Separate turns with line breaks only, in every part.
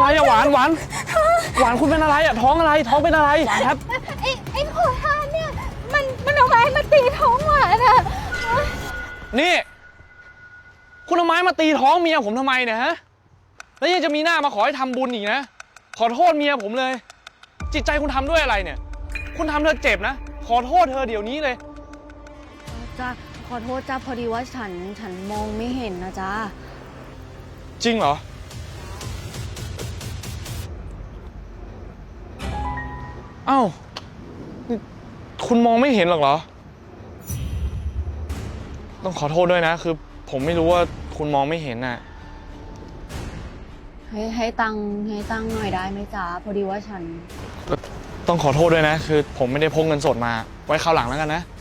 อะหวานหวานหวานคุณเป็นอะไรอะท้องอะไรท้องเป็นอะไรหวานครับ
ไอ้ขอทานเนี่ยมันเอาไม้มาตีท้องหวานอะ
นี่คุณเอาไม้มาตีท้องเมียผมทำไมเนี่ยฮะแล้วยังจะมีหน้ามาขอให้ทำบุญอีกนะขอโทษเมียผมเลยจิตใจคุณทำด้วยอะไรเนี่ยคุณทำเธอเจ็บนะขอโทษเธอเดี๋ยวนี้เลย
จ้าขอโทษจ้าพอดีว่าฉันมองไม่เห็นนะจ้า
จริงเหรอเอ้าคุณมองไม่เห็นหรอกเหรอต้องขอโทษด้วยนะคือผมไม่รู้ว่าคุณมองไม่เห็นน่ะ
ให้ตังหน่อยได้ไหมจ๊ะพอดีว่าฉัน
ต้องขอโทษด้วยนะคือผมไม่ได้พกเงินสดมาไว้คราวหลังแล้วกันนะ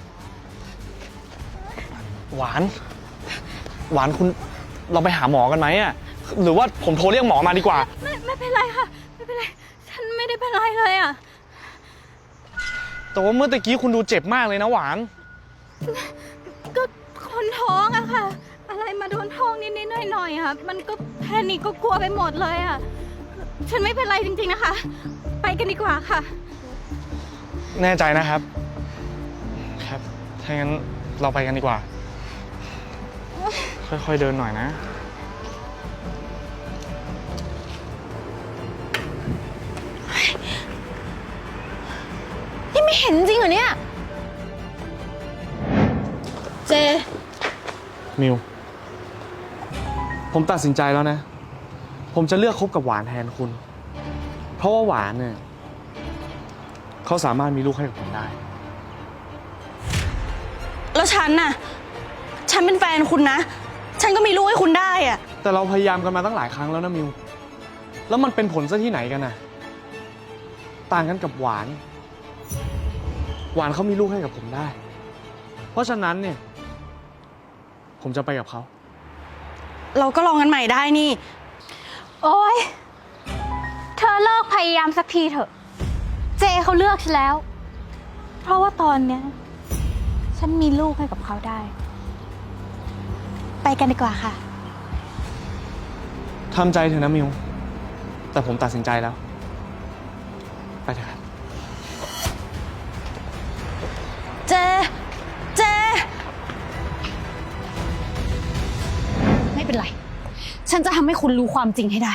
หวานคุณเราไปหาหมอกันไหมอ่ะหรือว่าผมโทรเรียกหมอมาดีกว่า
ไม่เป็นไรค่ะไม่เป็นไรฉันไม่ได้เป็นไรเลยอ่ะ
แต่ว่าเมื่อตะกี้คุณดูเจ็บมากเลยนะหวาน
ก็คนท้องอะค่ะอะไรมาโดนท้องนิดหน่อยอะมันก็แพนิคก็กลัวไปหมดเลยอะฉันไม่เป็นไรจริงๆนะคะไปกันดีกว่าค่ะ
แน่ใจนะครับครับถ้างั้นเราไปกันดีกว่าค่อยๆเดินหน่อยนะ
นี่ไม่เห็นจริงเหรอเนี่ยเจ
มิวผมตัดสินใจแล้วนะผมจะเลือกคบกับหวานแทนคุณเพราะว่าหวานเนี่ยเขาสามารถมีลูกให้กับผมได้
แล้วฉันน่ะฉันเป็นแฟนคุณนะฉันก็มีลูกให้คุณได้อะ
แต่เราพยายามกันมาตั้งหลายครั้งแล้วนะมิวแล้วมันเป็นผลซะที่ไหนกันน่ะต่างกันกับหวานเขามีลูกให้กับผมได้เพราะฉะนั้นเนี่ยผมจะไปกับเขา
เราก็ลองกันใหม่ได้นี่โอ๊ยเธอเลิกพยายามสักทีเถอะเจเขาเลือกฉันแล้วเพราะว่าตอนเนี้ยฉันมีลูกให้กับเขาได้ไปกันดีกว่าค่ะ
ทำใจเถอะนะมิวแต่ผมตัดสินใจแล้วไปเถอะครับ
เจไม่เป็นไรฉันจะทำให้คุณรู้ความจริงให้ได้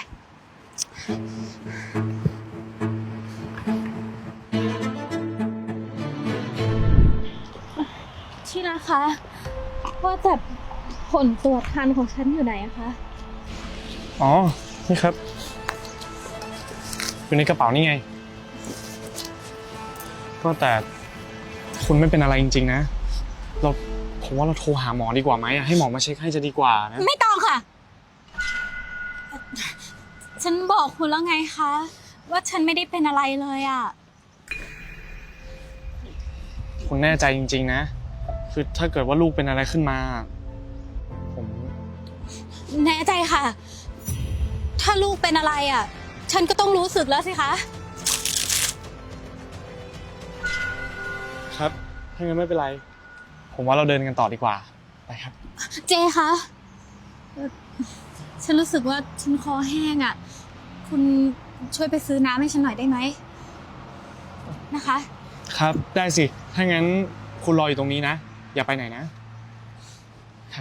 ที่นะคะว่าแต่ผลตรวจคันของฉันอยู่ไหนอะคะ
อ๋อนี่ครับอยู่ในกระเป๋านี่ไงก็แต่คุณไม่เป็นอะไรจริงๆนะผมว่าเราโทรหาหมอดีกว่าไหมให้หมอมาเช็คให้จะดีกว่านะ
ไม่ต้องค่ะฉันบอกคุณแล้วไงคะว่าฉันไม่ได้เป็นอะไรเลยอะ
คุณแน่ใจจริงๆนะคือถ้าเกิดว่าลูกเป็นอะไรขึ้นมาผม
แน่ใจค่ะถ้าลูกเป็นอะไรอะฉันก็ต้องรู้สึกแล้วสิคะ
ครับถ้างั้นไม่เป็นไรผมว่าเราเดินกันต่อดีกว่าไปครับ
เจคะฉันรู้สึกว่าฉันคอแห้งอ่ะคุณช่วยไปซื้อน้ำให้ฉันหน่อยได้ไหมนะคะ
ครับได้สิถ้างั้นคุณรออยู่ตรงนี้นะอย่าไปไหนนะครับ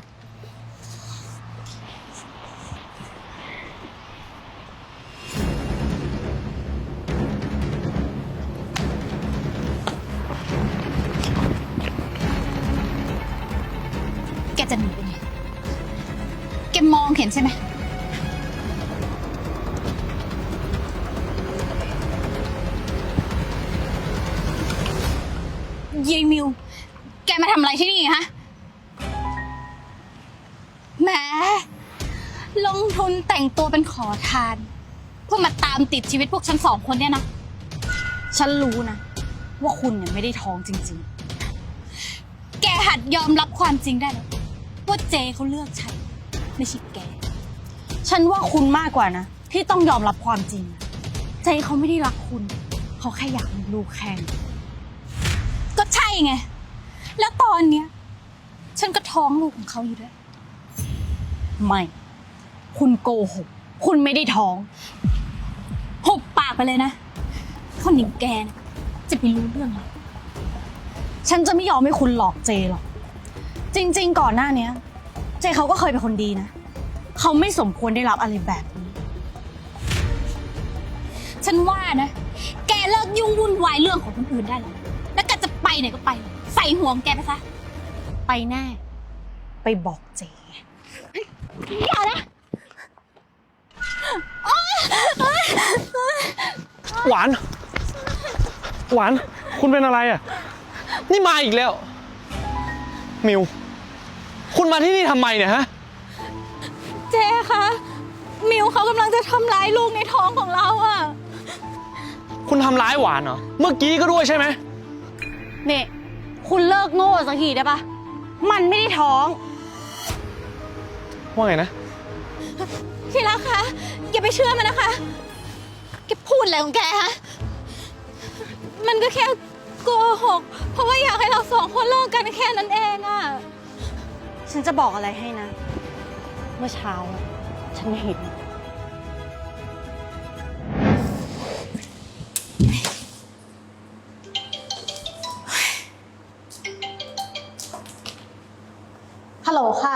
แกจะหนีไปไหนแกมองเห็นใช่ไหมยายมิวแกมาทำอะไรที่นี่ฮะแหมลงทุนแต่งตัวเป็นขอทานเพื่อมาตามติดชีวิตพวกฉัน2 คนเนี่ยนะฉันรู้นะว่าคุณเนี่ยไม่ได้ท้องจริงๆแกหัดยอมรับความจริงได้แล้วว่าเจเขาเลือกฉันไม่ใช่แกฉันว่าคุณมากกว่านะที่ต้องยอมรับความจริงเจเขาไม่ได้รักคุณเขาแค่อยากมีลูกแข่งก็ใช่ไงแล้วตอนเนี้ยฉันก็ท้องลูกของเขาอยู่ด้วยไม่คุณโกหกคุณไม่ได้ท้องไปเลยนะ คนอย่างแกนะจะไปรู้เรื่องอะไร
ฉันจะไม่ยอมให้คุณหลอกเจหรอก จริงๆ ก่อนหน้านี้เจเขาก็เคยเป็นคนดีนะ เขาไม่สมควรได้รับอะไรแบบนี้
ฉันว่านะ แกเลิกยุ่งวุ่นวายเรื่องของคนอื่นได้แล้ว แล้วแกจะไปไหนก็ไปเลยใส่หัวของแกไปซะ
ไปแน่ ไปบอกเจ
อย่านะ
หวาน หวาน คุณเป็นอะไรอ่ะ นี่มาอีกแล้ว มิว คุณมาที่นี่ทำไมเนี่ยฮะ
เจ๊คะมิวเขากำลังจะทำร้ายลูกในท้องของเราอะ
คุณทำร้ายหวานเหรอ เมื่อกี้ก็ด้วยใช่ไหม
เนี่ยคุณเลิกโง่สักทีได้ปะมันไม่ได้ท้อง
ว่าไงนะ
ที่รักคะอย่าไปเชื่อมันนะคะแกพูดอะไรของแกฮะมันก็แค่โกหกเพราะว่าอยากให้เราสองคนเลิกกันแค่นั้นเองอะ
ฉันจะบอกอะไรให้นะ เมื่อเช้าอะฉันเห็น ฮัลโหลค่ะ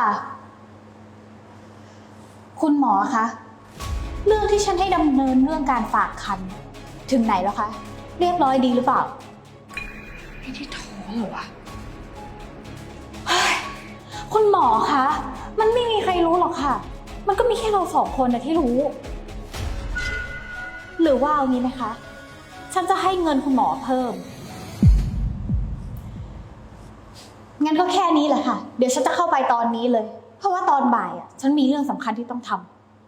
คุณหมอคะ เรื่องที่ฉันให้ดำเนินเรื่องการฝากครรภ์ถึงไหนแล้วคะ เรียบร้อยดีหรือเปล่า ไม่ได้ท้องเหรอวะ คุณหมอคะ มันไม่มีใครรู้หรอกค่ะ มันก็มีแค่เราสองคนนะที่รู้ หรือว่าเอางี้ไหมคะ ฉันจะให้เงินคุณหมอเพิ่ม งั้นก็แค่นี้แหละค่ะ เดี๋ยวฉันจะเข้าไปตอนนี้เลย เพราะว่าตอนบ่ายฉันมีเรื่องสำคัญที่ต้องทำ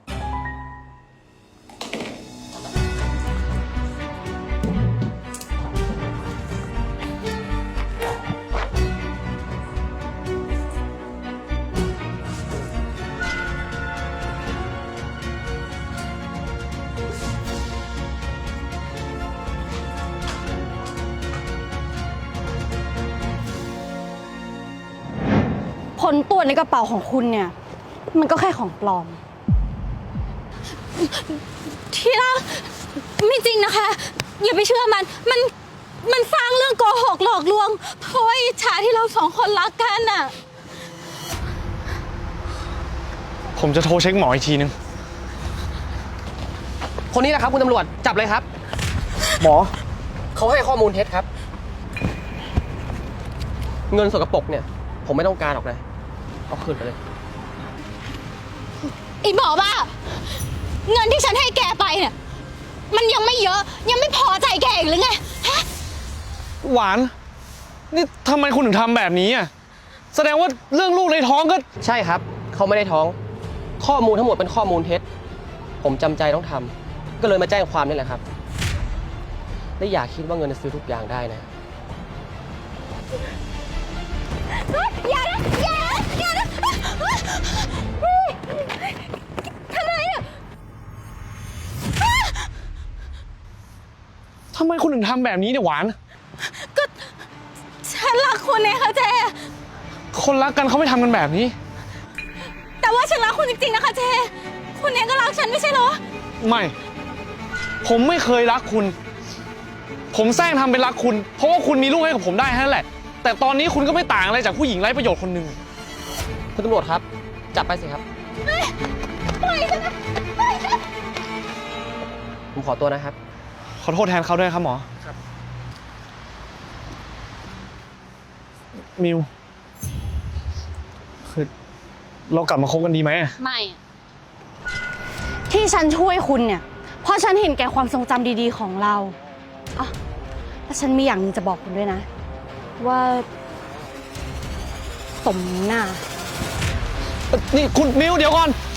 ผลตรวจในกระเป๋าของคุณเนี่ย มันก็แค่ของปลอม
ที่รักไม่จริงนะคะ อย่าไปเชื่อมันสร้างเรื่องโกหกหลอกลวงเพราะว่าอิจฉาที่เราสองคนรักกันน่ะ
ผมจะโทรเช็คหมออีกทีนึง
คนนี้แหละครับคุณตำรวจจับเลยครับ
หมอ
เขาให้ข้อมูลเท็จครับ เงินสกปรกเนี่ยผมไม่ต้องการหรอกนะเอาคืนไปเลย
ไอ้หมอบ้าเงินที่ฉันให้แกไปเนี่ยมันยังไม่เยอะยังไม่พอใจแกอีกหรือไงฮะ
หวาน นี่ทำไมคุณถึงทำแบบนี้อ่ะ แสดงว่าเรื่องลูกในท้องก็
ใช่ครับเขาไม่ได้ท้องข้อมูลทั้งหมดเป็นข้อมูลเท็จผมจำใจต้องทำก็เลยมาแจ้งความนี่แหละครับและอย่าคิดว่าเงินจะซื้อทุกอย่างได้นะ
อย่านะอย่านะอย่านะทำไมอ่ะ
ทำไมคุณถึงทำแบบนี้เนี่ยหวาน
ก็ฉันรักคุณไงคะเจ
คนรักกันเขาไม่ทำกันแบบนี้
แต่ว่าฉันรักคุณจริงๆนะคะเจคุณเองก็รักฉันไม่ใช่เหรอ
ไม่ ผมไม่เคยรักคุณ ผมแซงทำเป็นรักคุณ เพราะว่าคุณมีลูกให้กับผมได้แค่นั้นแหละ แต่ตอนนี้คุณก็ไม่ต่างอะไรจากผู้หญิงไร้ประโยชน์คนหนึ่ง
คุณตำรวจครับจับไปสิครับ
ปล่อยฉันนะปล่อยฉัน
ผมขอตัวนะครับ
ขอโทษแทนเขาด้วยครับหมอ
ครับ
มิว คือเรากลับมาคบกันดีไหม
ไม่อะที่ฉันช่วยคุณเนี่ย เพราะฉันเห็นแก่ความทรงจำดีๆของเราอ่ะแล้วฉันมีอย่างหนึงจะบอกคุณด้วยนะ ว่าสมหน้า
นี่คุณมิวเดี๋ยวก่อน